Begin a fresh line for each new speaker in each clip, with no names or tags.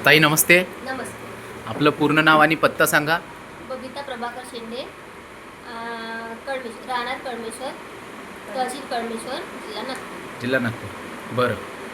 ताई नमस्ते.
नमस्ते.
आपलं पूर्ण नाव आणि पत्ता सांगा.
बबिता प्रभाकर शेंडे, कळमेश्वर, राहणार कळमेश्वर, तहसील कळमेश्वर, जिल्हा नागपूर.
जिल्हा नागपूर. बरं.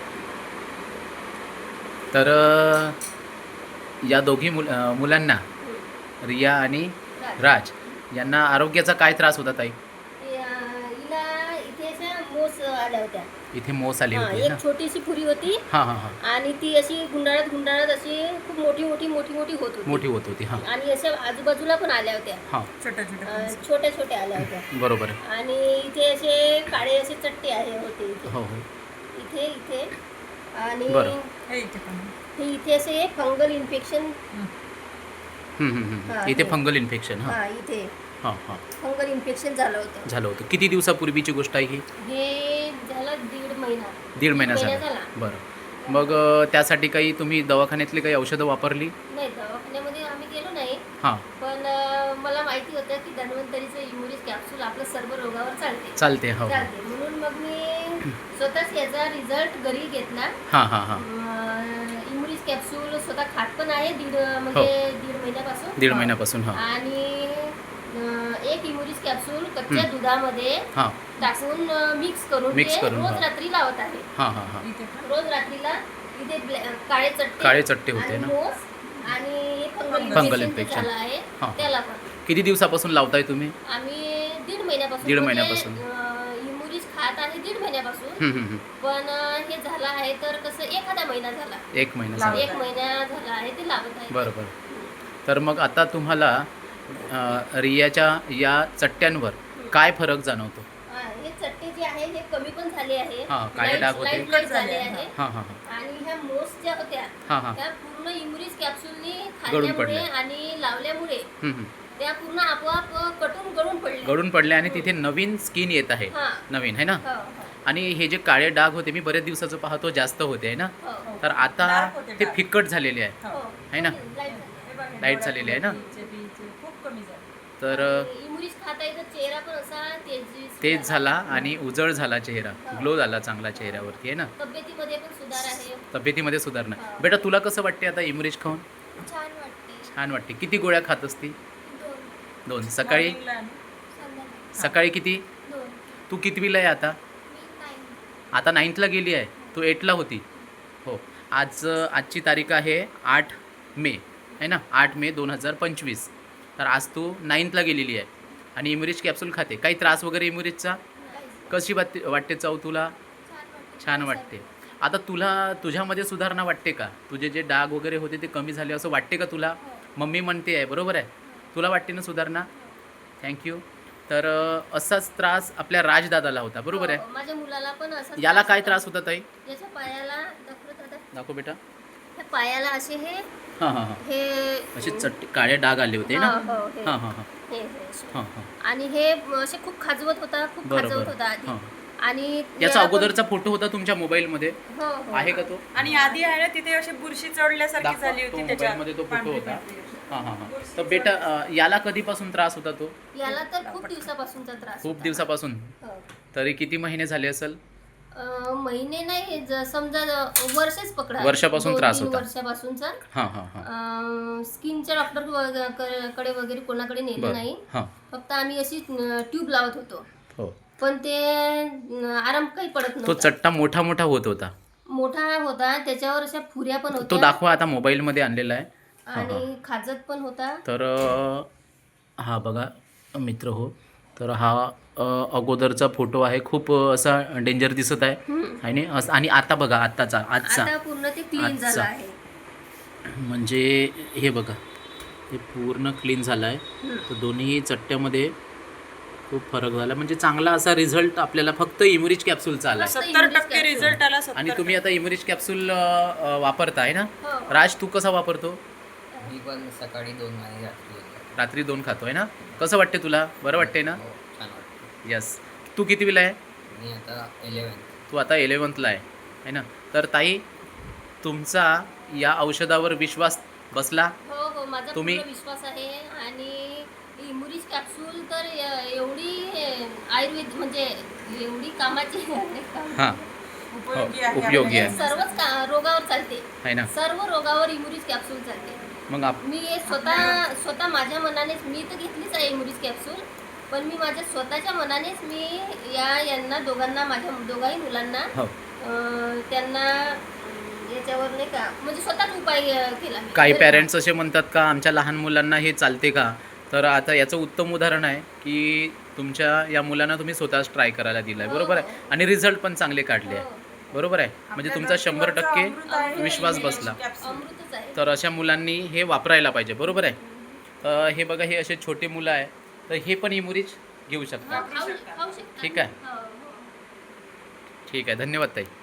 तर या दोघी मुलांना रिया आणि राज यांना आरोग्याचा काय त्रास होता ताई?
हिला इथे अशा मोस आल्या होत्या.
इथे मोस आली होती
एक
ना?
छोटीशी फुरी होती
हां हां हां.
आणि ती अशी गुंडाळत अशी खूप मोठी होत होती.
मोठी होत होती. हां
आणि अशा आजूबाजूला पण आल्या होत्या.
हां.
छोट्या आल्या होत्या.
बरोबर.
आणि इथे असे काळे असे चट्टे होते इथे.
हो हो.
इथे आणि
बरं.
हे इथे असे फंगल इन्फेक्शन. हां,
इथे
हे.
Fungal infection. हां
हां, इथे
हां हां.
फंगल इन्फेक्शन झालं होतं.
किती दिवसापूर्वीची गोष्ट आहे ही?
हे झालं दीड महिना
महिना झाला. बरं. मग त्यासाठी काही तुम्ही दवाखान्यातली काही औषधं वापरली?
नाही, दवाखान्यामध्ये आम्ही गेलो नाही.
हां.
पण मला माहिती होतं की धन्वंतरीचं इम्युनिस कॅप्सूल आपलं सर्व रोगावर
चालते. हो.
म्हणून मग मी स्वतःच याचा रिझल्ट घरी घेतला.
हां हां हां.
इम्युनिस कॅप्सूल स्वतः खात पण आहे दीड महिन्यापासून.
दीड महिन्यापासून. हां
आणि एक इम्युनिस कॅप्सूल कच्च्या दुधामध्ये
हां.
टाकून मिक्स करून रोज
हां.
रात्री लावत आहे.
हां हां हां.
रोज रात्रीला इथे
काळे चट्टे होते ना?
मोस आणि
फंगल
इन्फेक्शन
इन्फेक्शन.
झालं आहे
हां.
त्याला पण
किती दिवसापासून लावताय तुम्ही?
आम्ही दीड महिन्यापासून.
दीड महिन्यापासून.
इम्युनिस खात आहे दीड महिन्यापासून. पण हे झालं आहे तर कसं एखादा महिना झाला.
एक महिना झाला.
एक महिना झाला आहे ते लावत आहे.
बरोबर. तर मग आता तुम्हाला रियाच्या या चट्ट्यांवर काय फरक जाणवतो?
हे चट्टे जे आहे हे कमी पण झाले आहे.
हां, काळे डाग होते.
लाईट झाले आहे.
हां हां हां.
आणि ह्या मोस ज्या होत्या
हां हां.
त्या पूर्ण इम्युनिस कॅप्सूलनी
गळून
खाल्ल्यामुळे
पडल्या.
आणि लावल्यामुळे त्या पूर्ण आपोआप
गळून पडले आणि तिथे नवीन स्किन येत आहे.
हां.
नवीन आहे ना?
हो,
आणि हे जे काळे डाग होते मी बरेच दिवसाचं पाहतो जास्त होते आहे ना?
हो.
तर आता ते फिक्कट झालेले आहे.
हो.
आहे ना? लाईट झालेली आहे ना? तर
इम्युनिस खाता येतं चेहरा पण असा
तेज झाला आणि उजळ झाला चेहरा. ग्लो झाला चांगला चेहऱ्यावरती आहे ना?
तब्येतीमध्ये पण सुधार आहे.
तब्येतीमध्ये सुधारणा. बेटा तुला कसं वाटते आता इमरिज खाऊन?
छान वाटते.
छान वाटते. किती गोळ्या खात असती? 2. सकाळी
संध्याकाळी
किती?
2.
तू कितवीला आहे आता?
मी 9.
आता 9thला गेली आहे. तू 8ला होती. हो. आजची तारीख आहे 8 मे आहे ना? 8 मे 2025. तर आज तू 9thला गेलेली आहे आणि इम्युरिज कॅप्सूल खाते. काही त्रास वगैरे इम्युरिजचा? कशी वाटते चव तुला? छान वाटते. आता तुझ्यामध्ये सुधारणा वाटते का? तुझे जे डाग वगैरे होते ते कमी झाले असं वाटते का तुला? मम्मी म्हणते आहे बरोबर आहे. तुला वाटते ना सुधारणा? थँक्यू. तर असाच त्रास आपल्या राजदादाला होता बरोबर आहे?
माझ्या मुलाला पण असं.
याला काय त्रास होता ताई?
याच्या पायाला
दाखव बेटा.
ह्या पायाला असे हे
हां हां हां.
हे
असे काळे डाग आले होते ना?
हो, हे.
हां हां हां.
हे असे.
हां हां.
आणि हे असे खूप खाजवत होता आधी.
हां.
आणि
याचा अगोदरचा फोटो होता तुमच्या मोबाईलमध्ये?
हो.
आहे का तो?
आणि आधी आहे ना तिथे अशी बुरशी चढल्यासारखी झाली
तो
होती त्याच्या
मोबाईलमध्ये तो फोटो होता.
पांढरी.
हां हां हां. तर बेटा याला कधीपासून त्रास होता तो?
याला तर खूप दिवसापासूनचा त्रास
खूप
होता.
दिवसापासून.
हो.
तरी किती महिने झाले असेल?
महिने नाही समजा वर्षच पकडा.
वर्षापासून त्रास
2-3
होता.
वर्षापासूनचा.
हां हां हां.
स्किनच्या डॉक्टर कडे वगैरे कोणाकडे नेलं
बरं.
नाही.
हां.
फक्त आम्ही अशी ट्यूब लावत होतो.
हो.
पण ते आराम काही पडत
तो
नव्हता.
चट्टा मोठा होत होता.
मोठा होता त्याच्यावर अशा फुऱ्या पण
तो
होत्या
दाखवा आता मोबाईलमध्ये आणलेला आहे.
आणि खाजत पण होता.
तर हा बघा मित्र हो. तर हा अगोदरचा फोटो आहे. खूप असा डेंजर दिसत आहे आणि आता बघा आजचा
आता पूर्ण ते क्लीन झालं
आजचा.
आहे.
म्हणजे हे बघा हे पूर्ण क्लीन झालं आहे. तर दोन्ही चट्ट्यामध्ये खूप फरक झाला. म्हणजे चांगला असा रिझल्ट आपल्याला फक्त इम्युरिज कॅप्सूलचा आला.
70% रिझल्ट आला.
आणि तुम्ही आता इम्युरिज कॅप्सूल वापरताय ना?
हो.
राज तू कसा वापरतो?
मी पण सकाळी 2 आणि
रात्री 2 खातोय ना? कसं वाटते तुला? बरं वाटते ना?
हो, छान वाटतं.
यस. तू कितवीला आहे?
मी आता 11th.
तू आता 11thला आहे ना? तर ताई तुमचा या औषधावर विश्वास बसला?
हो माझा
तुम्ही-
पूर्ण विश्वास आहे. आणि इम्युरिज कॅप्सूल तर एवढी आयुर्वेद म्हणजे एवढी कामाची
हां.
उपयोगी आहे
उपयोगी आहे.
सर्वच रोगावर चालते.
आहे ना.
सर्व रोगावर इम्युरिज कॅप्सूल चालते.
मग
मी हे स्वतः माझ्या मनानेच मी तर घेतलीच आहे इम्युरिज कॅप्सूल, पण मी माझ्या स्वतःच्या मनानेच मी यांना दोघांना, माझ्या दोघाही मुलांना
हो
त्यांना याच्यावर नाही का म्हणजे स्वतःच उपाय केला मी.
काही पॅरेंट्स असे म्हणतात का आमच्या लहान मुलांना हे चालते का, तर आता याचं उत्तम उदाहरण आहे की तुमच्या या मुलांना तुम्ही स्वतःच ट्राय करायला दिलं आहे, बरोबर आहे, आणि रिझल्ट पण चांगले काढले आहे, बरोबर आहे, म्हणजे तुमचा 100% विश्वास बसला.
अमृतच आहे.
तर अशा मुलांनी हे वापरायला पाहिजे, बरोबर आहे. हे बघा, हे असे छोटे मुलं आहे, तर हे पण इम्युरिज घेऊ शकतात.
खाऊ शकता.
ठीक आहे.
हो, हो.
ठीक आहे, धन्यवाद ताई.